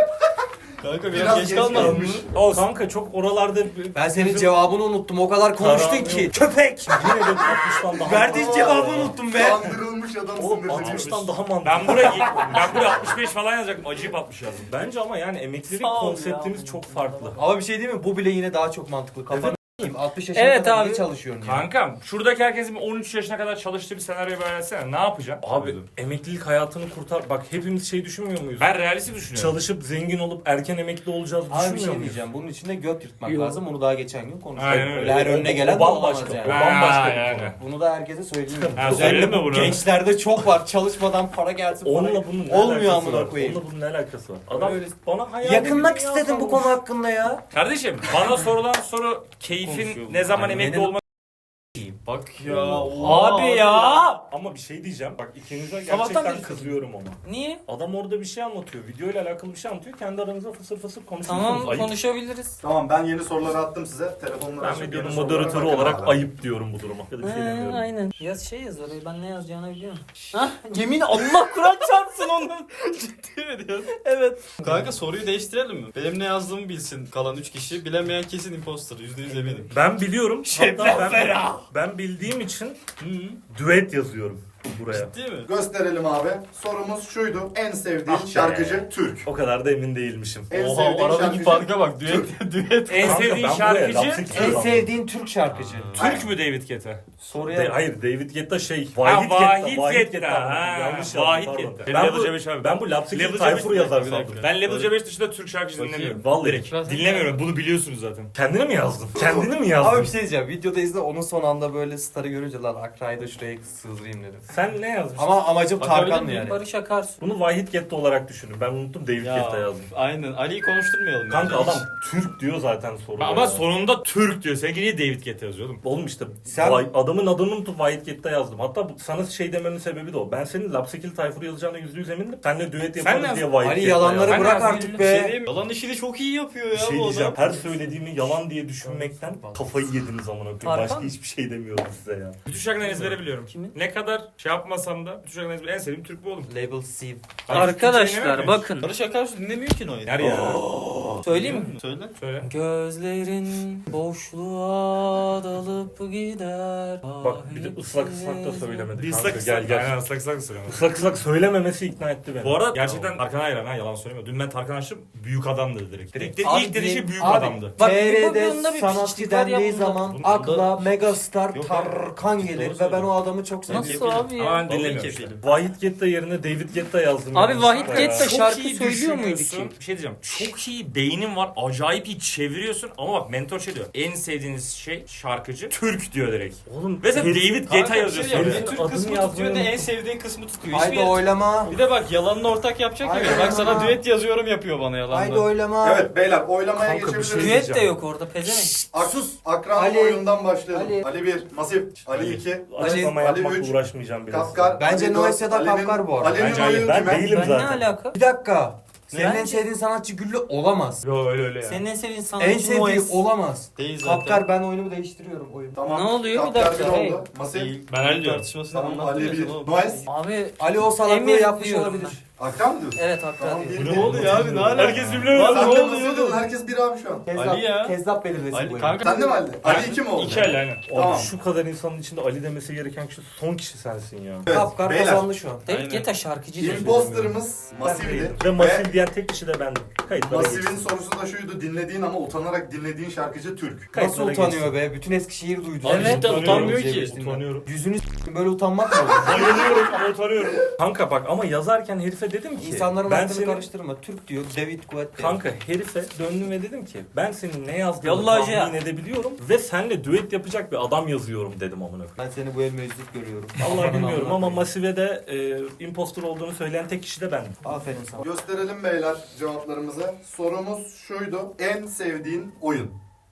F: Kanka
D: Biraz
F: biraz
D: geç
F: geç kalmadın mı?
D: kalmış.
A: Olsun. Kanka çok oralarda...
C: Ben senin cevabını unuttum. O kadar konuştun
A: Karan-
C: ki. Köpek.
A: Yine de altmıştan daha
C: Verdiğin
D: Aa,
C: cevabı unuttum be.
D: Kandırılmış adamsın
A: Oğlum
D: dedim.
A: altmıştan daha mantıklı.
E: Ben buraya ben buraya altmış beş falan yazacaktım. Acayip altmış yazdım.
A: Bence ama yani emeklilik
B: Sağ ol
A: konseptimiz
B: ya.
A: çok farklı.
C: Ama bir şey değil mi? Bu bile yine daha çok mantıklı. Kafanı s**eyim. altmış yaşına
B: Evet
C: kadar
B: abi.
C: niye çalışıyorsun ya?
E: Kankam şuradaki herkesin on üç yaşına kadar çalıştığı bir senaryo versene. Ne yapacaksın?
A: Abi emeklilik hayatını kurtar. Bak hepimiz şey düşünmüyor muyuz?
E: Ben realistik düşünüyorum.
A: Çalışıp zengin olup erken emekli olacağız
C: Abi bir
A: düşünmüyor
C: şey
A: muyuz?
C: diyeceğim. Bunun içinde göt yırtmak
B: Yok.
C: lazım. Onu daha geçen gün konuştuk.
E: Aynen öyle.
C: Öyle her önüne gelen
A: o
C: de olamaz
A: bambaşka.
C: yani.
A: O bambaşka bir
E: yani.
A: konu.
C: Bunu da herkese söyleyeyim.
E: Ha,
C: Özellikle
E: söyledin mi
C: bu
E: bunu?
C: gençlerde çok var. Çalışmadan para gelsin. para
A: Onunla
C: gelsin.
A: bunun ne
C: Olmuyor
A: alakası
C: amına
A: var?
C: koyayım.
A: Onunla bunun ne alakası var? Adam
C: Öyle-
A: bana hayali
C: Yakınmak
A: bir dünya
C: istedim bu
A: sormuş.
C: konu hakkında ya.
E: Kardeşim bana sorulan soru keyfin
F: Konuşuyor
E: ne zaman
C: bu.
E: emekli
C: Benim-
E: olmak
F: Bak ya.
B: Abi ya.
A: Ama bir şey diyeceğim. Bak ikinize
B: Sabahtan
A: gerçekten
B: beri
A: kızıyorum ona.
B: Niye?
A: Adam orada bir şey anlatıyor. Video ile alakalı bir şey anlatıyor. Kendi aranızda fısır fısır konuşuyorsunuz.
B: Tamam
A: Ayıp.
B: konuşabiliriz.
D: Tamam ben yeni soruları attım size. Telefonları
A: Ben
D: açıp
A: videonun
D: yeni sorulara
A: moderatörü
D: bakın
A: olarak
D: abi.
A: ayıp diyorum bu duruma. Ya da bir şey
B: He,
A: demiyorum.
B: aynen. Yaz şey yaz orayı ben ne yazacağını biliyorum. Hah yemin Allah Kur'an çarpsın onun.
F: Ciddi mi diyorsun?
B: Evet.
F: Kanka soruyu değiştirelim mi? Benim ne yazdığımı bilsin kalan üç kişi. Bilemeyen kesin imposter. yüzde yüz eminim.
A: Ben biliyorum.
C: Şey,
A: Hatta ben, ben bildiğim için düet yazıyorum. buraya.
F: Ciddi mi?
D: Gösterelim abi. Sorumuz şuydu. En sevdiğin
A: Ah be.
D: şarkıcı Türk.
A: O kadar da emin değilmişim.
D: En
F: Oha
D: sevdiğin
F: aradaki
D: şarkıcı
F: farka bak. Düet, düet.
E: En
A: Kanka,
E: sevdiğin
A: ben buraya
E: şarkıcı
A: Lapsik
C: En
A: yazdım.
C: sevdiğin Türk şarkıcı.
E: Türk mü David Guetta?
C: Soruya
A: De- hayır David Guetta şey.
E: Ha,
A: Vahit
E: Vahit
A: Guetta.
E: Guetta. Ha,
A: Yanlış
E: Vahit
A: yazdım pardon.
E: Guetta.
A: Ben
E: Level
A: bu,
E: C beş abi.
A: ben bu Lapsik'in
E: Level
A: Tayfur
E: C beş
A: yazar
F: Bir
A: sandım.
F: dakika.
E: Ben Level C beş dışında Türk şarkıcı
F: Bakayım.
E: dinlemiyorum.
A: Vallahi.
E: Direkt. Dinlemiyorum. Bunu biliyorsunuz zaten.
A: Kendini mi yazdın? Kendini mi
C: Abi
A: yazdın?
C: bir şey diyeceğim. Videoda izle onun son anda böyle starı görünce lan Akra'yı da şuraya sığdırayım dedim.
A: Sen ne yazmışsın?
C: Ama amacım
F: Bakabilir
C: Tarkan'dı
F: miyim?
C: yani.
B: Barış Akarsu.
A: Bunu Vahit Guetta olarak düşünün. Ben unuttum David Guetta yazdım.
F: Aynen. Ali'yi konuşturmayalım.
A: Kanka
F: bence.
A: adam Türk diyor zaten soruda.
E: Ama
A: ya.
E: sonunda Türk diyor. Seninki niye David Guetta yazıyordum?
A: Oğlum işte
C: Sen-
A: Vay- adamın adını unutup Vahit Guetta yazdım. Hatta bu, sana şey dememin sebebi de o. Ben senin Lapsikil Tayfur yazacağına yüzde yüz emindim. Seninle düet
E: Sen
A: yaparız
E: ne
A: diye Vahit
C: Ali
A: Guetta
C: yalanları
A: yazdım.
E: Ben
C: bırak
E: de
C: artık
F: Bir şey
C: be.
F: diyeyim mi? Yalan işini çok iyi yapıyor ya
A: Bir şey
F: bu
A: diyeceğim.
F: adam.
A: Her söylediğimi yalan diye düşünmekten kafayı yediniz amına koyayım.
B: Tarkan
A: Başka
B: mı?
A: hiçbir şey demiyorum size ya.
E: Bütün şarkıları ezbere biliyorum.
B: Kimin?
E: Ne kadar şey yapmasam da bütün şarkıları ezbere. En sevdiğim Türk bu oğlum.
C: Label C.
B: Arkadaşlar bakın.
F: Barış Akarsu dinlemiyor ki Noel.
E: Her ya.
B: Söyleyeyim mi?
F: Söyle.
E: Söyle.
B: Gözlerin boşluğa dalıp gider.
A: Bak bir de ıslak ıslak da söylemedi.
E: Bir
A: kanka.
E: ıslak
A: Gel
E: ıslak.
A: gel.
E: Aynen ıslak ıslak söylüyorum.
A: Islak ıslak söylememesi ikna etti beni.
E: Bu arada gerçekten Tarkan'a hayran ha yalan söylemiyor. Dün ben Tarkan açtım büyük adam dedi direkt. Direkt de
C: Abi
E: ilk dediği şey büyük
C: abi,
E: adamdı.
B: Bak,
C: T
B: bu
C: R'de
B: bunda bir
C: sanatçı
B: piçlik var ya
C: dendiği
B: bunda.
C: zaman
F: Bunda-
C: akla megastar
F: Yok,
C: Tarkan
F: doğru
C: gelir ve ben
F: söylüyorsun.
C: o adamı çok seviyorum.
B: Nasıl abi
E: Ama
B: ya?
E: ben dinlemiyorum işte.
A: Vahit Guetta yerine David Guetta yazdım.
B: Abi
A: yani.
B: Vahit
A: Ya.
B: Guetta
E: Çok
B: şarkı
E: iyi
B: söylüyor muydu
E: düşünüyorsun.
B: ki?
E: Bir şey diyeceğim. Çok iyi beynin var. Acayip iyi çeviriyorsun. Ama bak mentor şey diyor. En sevdiğiniz şey şarkıcı Türk diyor direkt.
A: Oğlum
E: Ve sen
A: herif-
E: David
F: Kanka
E: Guetta
F: bir şey
E: yazıyorsun.
F: diyeceğim.
A: Herifin
F: Ne Türk
A: adını
F: kısmı
A: yazmayı
F: tutuyor ne en
A: unuttum.
F: sevdiğin kısmı tutuyor.
C: Haydi
F: Hiçbir-
C: oylama.
F: Bir de bak yalanla ortak yapacak
C: Haydi
F: gibi. Bak sana
C: oylama.
F: düet yazıyorum yapıyor bana yalanla.
C: Haydi oylama.
D: Evet beyler oylamaya
A: Kanka, bir
D: geçebiliriz.
A: şey-
B: Düet de yok orada pezevenk.
D: Aksus Akran
C: Ali.
D: oyundan başlayalım.
C: Ali.
D: Ali bir, Masif. Ali iki.
A: Açıklama
D: Ali
A: yapmakla
D: üç.
A: uğraşmayacağım biraz.
D: Kapkar.
C: Bence
D: Ali
C: Noel
D: dört.
C: Sedat
D: Ali'nin-
C: Kapkar bu arada.
D: Ali'nin
E: Bence hayır,
D: oyunu
A: ben
D: kime?
A: değilim
B: Ben
A: zaten.
B: ne alaka?
C: Bir dakika. Senin
B: Bence-
C: en sevdiğin sanatçı Güllü olamaz.
E: Yo öyle öyle ya.
B: Senin en sevdiğin sanatçı
C: En sevdiği
B: Noes.
C: olamaz.
F: Değil zaten.
C: Kapkar ben oyunumu değiştiriyorum oyunu.
D: Tamam.
B: Ne oluyor? Bir
D: Kapkar
B: dakika,
D: bir
B: hey.
D: oldu. Masif.
F: Değil.
E: Ben Ali diyorum.
F: Tartışmasını
D: Tamam
F: anlattım
D: Ali
F: ya
D: bir.
F: sana.
D: Noel.
B: Abi
C: Ali o salaklığı
B: Emir
C: yapmış
B: diyorum
C: olabilir.
D: Akran mı diyorsun?
B: evet haklı
D: Tamam,
B: abi.
D: bir-
F: Ne
D: bir-
F: oluyor abi ne alaka?
E: Herkes birbirine
F: Lan
D: Sen
F: ne
D: de
F: oluyor
D: Masif dedin,
F: oğlum?
D: herkes bir abi şu an.
C: Kezzap,
F: Ali ya.
C: Kezzap belirlesin
F: Ali
C: bu oyunu.
F: kanka.
D: Sen de mi Ali? Ali iki mi oldu?
E: İki el aynen.
A: Abi
D: Tamam.
A: şu kadar insanın içinde Ali demesi gereken kişi son kişi sensin ya.
D: Evet,
C: Kapkar
D: beyler.
C: kazandı şu an.
B: David
F: Aynen.
B: Guetta şarkıcı diyor.
D: Imposter'ımız Masif'di.
A: Ve Masif diyen tek kişi de bendim. Kayıtlara
D: Masif'in
A: geçsin.
D: sorusu da şuydu. Dinlediğin ama utanarak dinlediğin şarkıcı Türk.
C: Nasıl
A: Kayıtlara
C: utanıyor be? Bütün Eskişehir duydu.
F: Abi
B: Evet.
F: cidden utanmıyor ki.
A: Utanıyorum.
C: Yüzünü s**tim, böyle utanmak mı olur?
A: Bayılıyorum ama utanıyorum. Kanka bak ama yazarken herife dedim ki.
C: İnsanların
A: ben
C: aklını
A: senin-
C: karıştırma. Türk diyor, David Guetta.
A: Kanka herife döndüm ve dedim ki ben senin ne yazdığını
B: Yallah ya.
A: tahmin edebiliyorum ve senle düet yapacak bir adam yazıyorum dedim amına koyayım.
C: Ben seni bu el meczup görüyorum.
A: Vallahi bilmiyorum ama
C: Anlatayım.
A: Masive de e, impostor olduğunu söyleyen tek kişi de bendim.
C: Aferin sana.
D: Gösterelim beyler cevaplarımızı. Sorumuz şuydu. En sevdiğin oyun.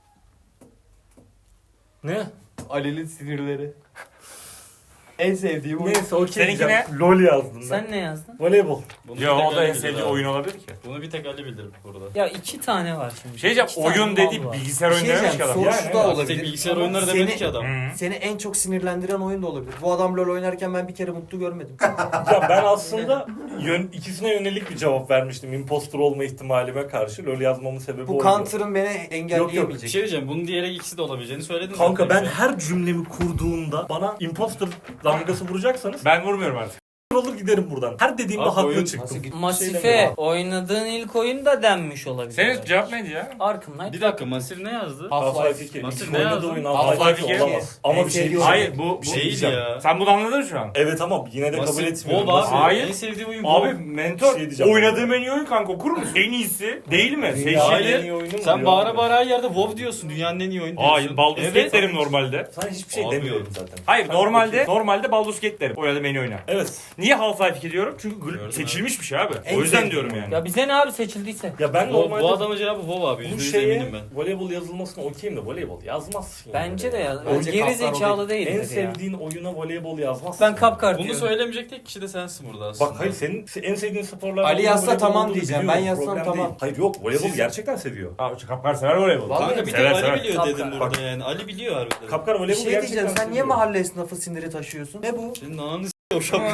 A: Ne?
C: Ali'nin sinirleri. En sevdiğim oyun.
A: Neyse okey
E: Seninki
A: diyeceğim. LOL yazdım ben.
B: Sen ne yazdın?
A: Voleybol.
F: Bunu bir
E: Yo
F: tek
E: o da
F: Ali
E: en
F: bilir
E: sevdiği
F: abi.
E: oyun olabilir ki.
F: Bunu bir tek Ali bilir burada.
B: Ya iki tane var şimdi.
E: Şey diyeceğim
B: İki tane
E: oyun
B: mal
E: dedi
B: var.
E: bilgisayar
C: Bir
E: oyunu
C: şey
E: dememiş ki
C: diyeceğim,
E: adam.
C: sorusu
A: Yani,
C: da
A: evet.
C: olabilir.
F: Tek bilgisayar
C: Ama
F: oyunları
C: seni-
F: demedi ki adam.
E: Hı.
C: Seni en çok sinirlendiren oyun da olabilir. Bu adam LoL oynarken ben bir kere mutlu görmedim.
A: Ya ben aslında yön, ikisine yönelik bir cevap vermiştim. Impostor olma ihtimalime karşı. LOL yazmamın sebebi
C: Bu
A: oydu.
C: counter'ın beni
A: Yok,
C: engelleyemeyecek.
F: Bir şey diyeceğim. Bunun diğeri ikisi de olabileceğini söyledin.
A: Kanka
F: zaten.
A: ben her cümlemi kurduğumda bana impostor damgası vuracaksanız
E: Ben vurmuyorum artık.
A: olur giderim buradan. Her dediğimde
F: Abi
A: haklı
F: oyun
A: çıktım.
C: nasıl git-
B: Masife oynadığın ilk oyun da denmiş olabilir.
E: Senin cevap neydi ya?
B: Arkham Knight.
F: Bir dakika Masif ne yazdı?
A: Half-Life iki.
F: Nasıl,
A: İlk
F: ne
A: oynadığı
F: yazdın?
A: oyun
E: Half-Life
A: Half-Life
E: iki.
A: iki olamaz. Ama
C: En
A: bir şey
C: sevdiği
A: diyeceğim.
E: Hayır bu, bu
F: Bir şey
A: diyeceğim.
F: ya.
E: Sen bunu anladın mı şu an?
A: Evet ama yine de kabul
F: Masif,
A: etmiyorum.
F: Bob abi.
A: Masif-
E: Hayır.
F: En sevdiği oyun
E: Abi
F: Bob.
E: mentor
A: Bir şey diyeceğim.
E: oynadığım en iyi oyun kanka okur musun? En iyisi değil mi?
A: Dünyanın en
E: Seçili.
A: iyi oyunu mu
F: Sen
A: diyor
F: bağıra
A: abi?
F: bağıra her yerde WoW diyorsun. Dünyanın en iyi oyunu diyorsun.
E: Hayır Baldur's Gate
F: Evet.
E: derim normalde.
A: Sana hiçbir şey
F: Abi.
A: demiyorum zaten.
E: Hayır
A: Sen
E: normalde
A: okey.
E: normalde Baldur's Gate derim. Oynadığım en iyi oyunu.
A: Evet.
E: Niye Half-Life iki diyorum? Çünkü gl-
F: Gördüm
E: seçilmiş bir şey abi.
C: En
E: O yüzden
C: sevdiğim
E: diyorum
C: oyun.
E: yani.
B: Ya bize ne abi seçildiyse.
A: Ya ben
F: Bu,
A: normalde
F: bu adamın cevabı WoW abi.
A: bu
F: Yüzde yüz
A: şeye
F: eminim ben.
A: voleybol yazılmasına okeyim de voleybol yazmazsın. yani.
B: Bence de ya.
C: Bence
B: Geri
C: Kapkar o
B: zekalı değil.
A: En
B: ya.
A: sevdiğin oyuna voleybol yazmazsın.
B: Ben kapkar
F: Bunu
B: diyorum.
F: söylemeyecek tek kişi de sensin burada aslında.
A: Bak hayır senin en sevdiğin sporlar
C: Ali yazsa
A: voleybol
C: tamam
A: olduğunu
C: diyeceğim.
A: biliyorum,
C: Ben yazsam
A: problem
C: tamam.
A: değil. Hayır yok voleybol
F: Siz-
A: gerçekten seviyor.
E: Abi Kapkar sever voleybol.
C: Vallahi
F: Kanka bir tek
E: Sever,
F: Ali
E: sever.
F: biliyor
B: Kapkar.
F: dedim burada yani. Ali biliyor harbiden.
A: Kapkar
C: Bir
A: voleybol
C: şey
A: gerçekten
C: diyeceğim. Sen niye
A: seviyor.
C: mahalle esnafı siniri taşıyorsun? Ne bu?
F: Senin ananı s*** o şapka.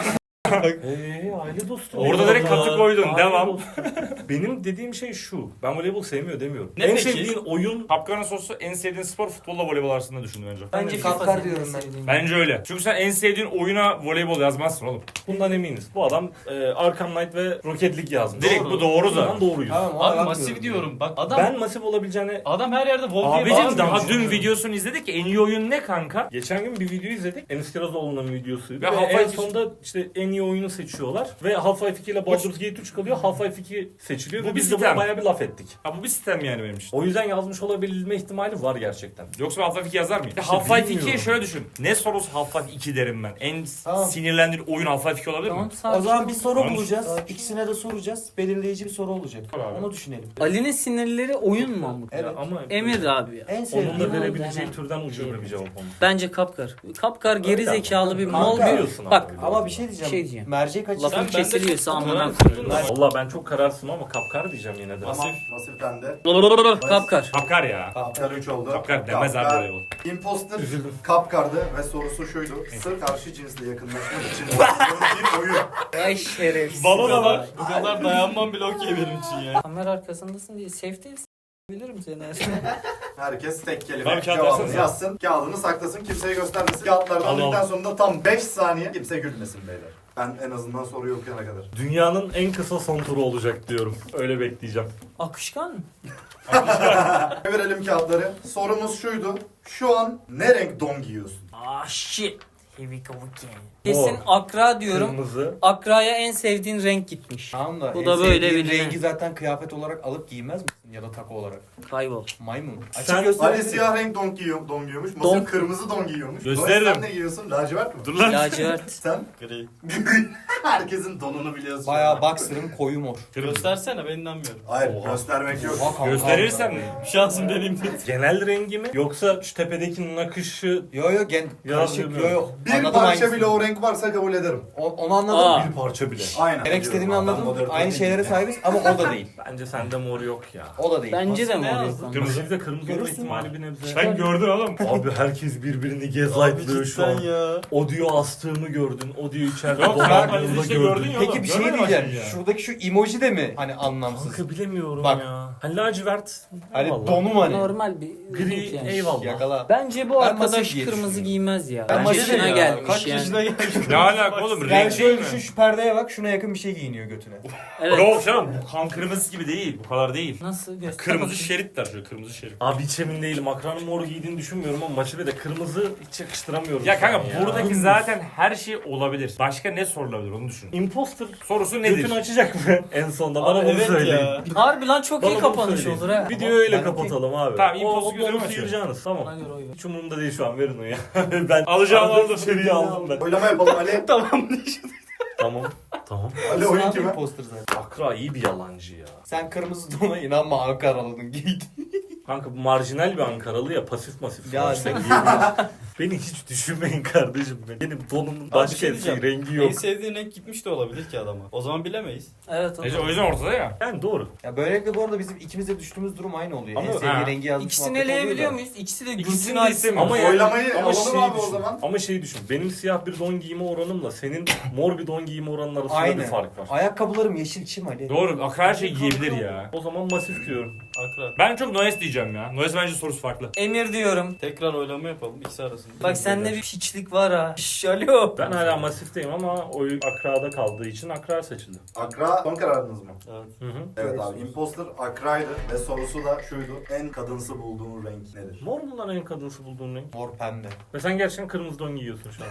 A: Eee aile dostu.
E: Orada direkt katı koydun,
A: Aile
E: devam.
A: dostu. Benim dediğim şey şu. Ben voleybol sevmiyor demiyorum.
E: Ne
A: en
E: peki?
A: sevdiğin oyun
E: Kapkanın sosu en sevdiğin spor futbolla voleybol arasında düşün bence.
B: Bence
C: Kapkar
B: FIFA senin
C: diyorum ben.
B: sevdiğin.
E: Bence öyle. Çünkü sen en sevdiğin oyuna voleybol yazmazsın oğlum.
A: bundan eminiz. Bu adam e, Arkham Knight ve Rocket League yazmış.
E: Direkt bu doğru
A: Bundan
E: zaten.
A: doğruyuz.
C: Tamam, ona
F: Abi
C: bakmıyorum.
F: masif diyorum. Bak adam
A: Ben masif olabileceğine...
F: adam her yerde Wolf diye
E: Abicim
F: bağırmıyor.
E: daha dün videosunu izledik. En iyi oyun ne kanka?
A: Geçen gün bir video izledik. Enis Kirazoğlu'nun videosuydu.
E: Ve
A: Ve,
E: Half-Life
A: en sonunda işte en iyi oyunu seçiyorlar. Ve Half-Life iki ile Baldur's Gate üç kalıyor. Half-Life iki seçiliyor.
E: Bu
A: Ve
E: bir
A: biz de
E: sistem.
A: buna bayağı bir laf ettik.
E: Ha bu bir sistem yani benim için.
A: O yüzden yazmış olabilme ihtimali var gerçekten.
E: Yoksa ben Half-Life iki yazar mıyım?
A: İşte
E: Half-Life ikiyi
A: bilmiyorum.
E: şöyle düşün. Ne sorusu Half-Life iki derim ben. En
C: Tamam.
E: sinirlendiğin oyun Half-Life iki olabilir
B: Tamam
E: mi?
B: sakin.
C: O zaman bir soru
E: Tamam.
C: bulacağız. İkisine de soracağız. Belirleyici bir soru olacak.
E: Abi.
C: Onu düşünelim.
B: Ali'nin sinirleri oyun mu Mahmut?
C: Evet.
A: Ya ama
B: Emir abi ya.
C: En
A: onun
C: sevdiğim
A: da
B: Sevdiğim
A: verebileceği
B: oyun.
A: türden ucube bir cevap olmuş.
B: Bence Kapkar. Kapkar geri
A: Öyle ama.
B: zekalı bir
C: Kanka,
B: mal bir.
A: biliyorsun
B: Bak
A: abi.
C: ama bir şey diyeceğim.
B: Bir şey diyeceğim.
C: Mercek açısı.
B: Lafın
F: ben de
B: kesiliyorsa
F: çok
B: amına
F: karar
B: koyayım.
F: kıldım.
A: Valla ben çok kararsın ama kapkar diyeceğim yine de.
D: Tamam. Masiften de.
B: Kapkar.
E: Kapkar ya.
D: Kapkar üç oldu.
E: Kapkar demez abi voleybol.
D: Imposter Kapkar'dı ve sorusu şuydu. Sır karşı cinsle yakınlaşmak için bir oyun.
B: Ay şerefsiz.
F: Bu kadar, bu kadar dayanmam bile okey benim için ya.
B: Kamera arkasındasın diye safe değilsin. Bilirim seni.
D: Herkes tek
E: Abi
D: kelime
E: kağıt
D: cevabını
E: versene.
D: yazsın. Kağıdını saklasın. Kimseye göstermesin. Kağıtları
A: Al, al.
D: aldıktan sonra tam beş saniye kimse gülmesin beyler. Ben en azından soruyu okuyana kadar.
A: Dünyanın en kısa son turu olacak diyorum. Öyle bekleyeceğim.
B: Akışkan mı?
D: Verelim kağıtları. Sorumuz şuydu. Şu an ne renk don giyiyorsun?
B: Ah shit. Here we go again. Kesin
A: Mor.
B: akra diyorum.
A: Kırmızı.
B: Akra'ya en sevdiğin renk gitmiş.
C: Tamam da
B: Bu
C: en
B: da böyle
C: sevdiğin
B: bilinen.
C: rengi zaten kıyafet olarak alıp giymez misin? Ya da takı olarak.
B: Kaybol.
C: Maymun.
A: Sen-
C: Açık gösterebilir.
D: Ali siyah renk don, giyiyor, don giyiyormuş. Masum
B: Don.
D: kırmızı don giyiyormuş.
E: Gösteririm.
D: Dolayısıyla sen ne giyiyorsun? Lacivert mi?
E: Dur lan.
B: Lacivert.
D: Sen?
F: Gri.
D: Herkesin donunu biliyorsun.
C: Bayağı boxer'ın koyu mor.
F: Göstersene ben inanmıyorum.
D: Hayır
A: Oha.
D: göstermek yok.
C: Oha kanka.
E: Gösterirsen
F: Şansım deneyim dedi.
A: Genel rengi mi? Yoksa şu tepedeki nakışı
C: Yo yo gen
A: Ya,
C: karışık yo
A: bilmiyorum.
C: yo.
D: Bir
C: Anladım
D: parça
C: hangisini.
D: bile o renk varsa kabul ederim.
C: O- onu anladım.
B: Aa.
A: bir parça bile.
D: Aynen.
C: Demek istediğimi
D: Diyorum. Ben
C: anladım.
D: moderatör
C: Aynı
D: değilim
C: şeylere
D: ya.
C: sahibiz ama o da değil.
A: Bence sende mor yok ya.
C: O da değil.
B: Bence de
F: Aslında
B: mi
F: ne
B: oluyor
F: yazdın?
B: kanka?
A: Kırmızı bir de kırmızı olma
C: Görürsün
A: ihtimali bir nebze.
E: sen gördün oğlum.
A: Abi herkes birbirini
F: Abi
A: gaslightlıyor şu an.
F: cidden ya.
A: O diyor astığımı gördün, o diyor içeride
E: Yok
A: dolandığını
E: kanka işte
A: gördün.
E: gördün ya
C: Peki
E: oğlum.
C: bir şey
E: Görmedin mi
C: diyeceğim.
E: şimdi ya?
C: Şuradaki şu emoji de mi hani anlamsız?
A: Kanka bilemiyorum
C: Bak.
A: ya. Hani lacivert.
C: Hani
A: eyvallah.
C: donum hani.
B: Normal bir
A: Gri
B: renk yani.
A: eyvallah.
C: Yakala.
B: Bence bu
C: Ben
B: arkadaş
C: masif diye
B: kırmızı
C: düşünüyorum.
B: giymez ya.
C: Ben
B: Ben
C: masif
B: yaşına
C: ya.
B: gelmiş
F: Kaç
B: yani.
F: yaşına gelmiş?
E: Ne alaka oğlum?
C: Yani
E: Renk değil
C: şöyle
E: mi?
C: düşün şu perdeye bak şuna yakın bir şey giyiniyor götüne.
B: Evet.
E: Yok canım bu kan kırmızısı gibi değil. Bu kadar değil.
B: Nasıl göster
E: Kırmızı
B: bakayım.
E: şeritler şöyle kırmızı şerit.
A: Abi hiç emin değilim. Akranın mor giydiğini düşünmüyorum ama maçı de kırmızı hiç yakıştıramıyorum.
E: Ya kanka
A: sana
E: buradaki zaten her şey olabilir. Başka ne sorulabilir onu düşün.
A: Imposter
E: Sorusu nedir?
A: götünü açacak mı en sonunda? Bana
F: Abi
A: bunu
F: evet
A: söyleyin.
F: ya.
B: Harbi lan çok
A: Bana
B: iyi
A: bunu
B: kapanış
A: söyleyin.
B: olur ha.
A: Videoyu öyle
C: Ben
A: kapatalım abi.
E: Tamam,
A: o,
E: imposter
A: o
E: gözümü
A: bonusu
E: açıyor.
A: yiyeceğiniz
B: Ona
A: tamam.
B: göre oy ver.
A: Hiç umurumda değil şu an verin onu ya. ben
E: Alacağım
A: Arada
E: aldım.
A: seriyi aldım ben.
D: Oylama yapalım Ali.
F: Tamam.
A: Tamam. Tamam.
D: Ali oyun
C: Sen
D: kime?
C: imposter zaten.
A: Akra iyi bir yalancı ya.
C: Sen kırmızı dona inanma Ankaralı'nın giydin.
A: Kanka bu marjinal bir Ankaralı ya pasif masif.
C: Ya
A: sonuçta
C: sen-
A: giyebilir. Beni hiç düşünmeyin kardeşim. Benim donumun
F: bir
A: başka
F: şey
A: bir şey,
F: diyeceğim.
A: rengi yok.
F: En sevdiğin renk gitmiş de olabilir ki adama. O zaman bilemeyiz.
B: Evet.
E: Neyse o yüzden ortada ya.
A: Yani doğru.
C: Ya böylelikle bu arada bizim ikimiz de düştüğümüz durum aynı oluyor.
A: Ama-
C: en sevdiği
E: ha.
C: rengi yazmış
B: İkisini
C: muhabbet oluyor
B: eleyebiliyor
C: da.
B: muyuz? İkisi de
E: İkisini
B: Gülsün
E: de
B: Aysel.
E: istemiyorum.
A: Ama yani-
D: Oylamayı
A: ama
D: alalım
A: şeyi
D: abi o
A: düşün.
D: zaman.
A: Ama şeyi düşün. Benim siyah bir don giyme oranımla senin mor bir don giyme oranın arasında
C: Aynı.
A: bir fark var.
C: Ayakkabılarım yeşil çim Ali.
E: Doğru. Akra her şeyi giyebilir ya.
A: O zaman masif diyorum.
F: Akra.
E: Ben çok Noes diyeceğim ya. Noes bence sorusu farklı.
B: Emir diyorum.
F: Tekrar oylama yapalım ikisi arasında.
B: Bak sende bir piçlik var ha. Şş, alo.
A: Ben hala masifteyim ama oy Akra'da kaldığı için Akra seçildi.
D: Akra son kararınız mı?
F: Evet.
A: Hı hı.
D: Evet abi. Imposter Akra'ydı ve sorusu da şuydu. En kadınsı bulduğun renk nedir?
A: Mor mu lan en kadınsı bulduğun renk?
C: Mor pembe.
A: Ve sen gerçekten kırmızı don giyiyorsun şu an.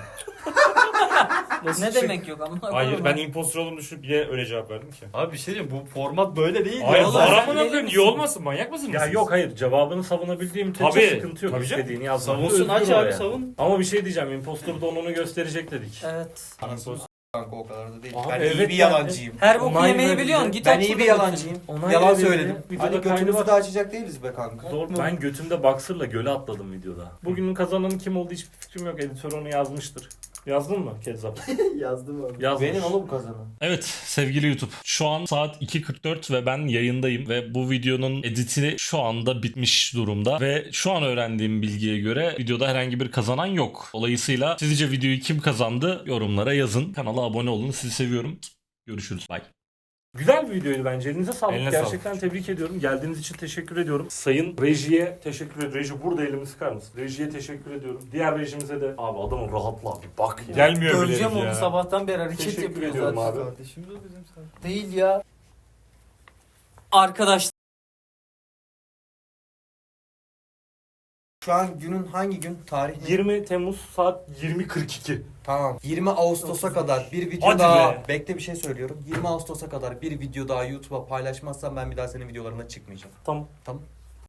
B: Ne demek yok ama.
E: Hayır ben impostor olduğumu düşünüp bile öyle cevap verdim ki.
F: Abi bir şey diyeyim bu format böyle değil
E: Hayır
F: ya.
B: oğlum,
E: var
B: sen
E: amına
B: deli
E: koyayım.
B: misin?
E: İyi olmasın manyak mısınız
A: Ya
E: siz?
A: yok hayır cevabını savunabildiğim tek
E: Tabii,
A: sıkıntı yok.
E: tabii canım.
A: İstediğini yazmak.
F: Savunsun aç
A: Özgür o
F: abi
A: yani.
F: savun.
A: Ama bir şey diyeceğim. Impostor donunu gösterecek dedik.
B: Evet.
C: Anasını s- kanka o kadar da değil.
A: Abi
C: ben
A: evet
C: iyi bir
A: ben-
C: yalancıyım.
B: Her boku
A: Onay
B: yemeyi
A: verdi.
B: biliyorsun. Git
C: Ben
B: aç
C: iyi bir
B: şurada
C: yalancıyım.
A: Onay
C: Yalan
A: verildi.
C: söyledim.
A: Videoda
C: Hadi
A: kaydı
C: götümüzü
A: var.
C: de açacak değiliz be kanka.
A: Zor. Ben götümde boxer'la göle atladım videoda. Bugünün kazananı kim olduğu hiçbir fikrim yok. Editör onu yazmıştır. Yazdın mı Kezzap?
C: Yazdım abi.
A: Yazmış.
C: Benim oğlum kazanan.
A: Evet sevgili YouTube. Şu an saat iki kırk dört ve ben yayındayım ve bu videonun editi şu anda bitmiş durumda ve şu an öğrendiğim bilgiye göre videoda herhangi bir kazanan yok. Dolayısıyla sizce videoyu kim kazandı yorumlara yazın. Kanala abone olun. Sizi seviyorum. Görüşürüz. Bye. Güzel bir videoydu bence. Elinize sağlık.
E: Eline
A: Gerçekten
E: sağlık.
A: tebrik ediyorum. Geldiğiniz için teşekkür ediyorum. Sayın rejiye teşekkür ediyorum. Reji burada elimi sıkar mısın? Rejiye teşekkür ediyorum. Diğer rejimize de abi adamın rahatla abi bak ya.
E: Gelmiyor bile
B: Göreceğim
E: herif
B: onu
E: ya.
B: sabahtan beri hareket
A: Teşekkür
B: yapıyor
A: ediyorum
B: zaten.
A: abi.
F: Kardeşim de bizim zaten.
B: Değil ya. Arkadaş
C: Şu an günün hangi gün? Tarih ne?
A: yirmi Temmuz saat yirmi kırk iki.
C: Tamam. yirmi Ağustos'a kadar bir video
A: Hadi
C: daha.
A: be.
C: Bekle bir şey söylüyorum. yirmi Ağustos'a kadar bir video daha YouTube'a paylaşmazsam ben bir daha senin videolarına çıkmayacağım.
A: Tamam.
C: Tamam.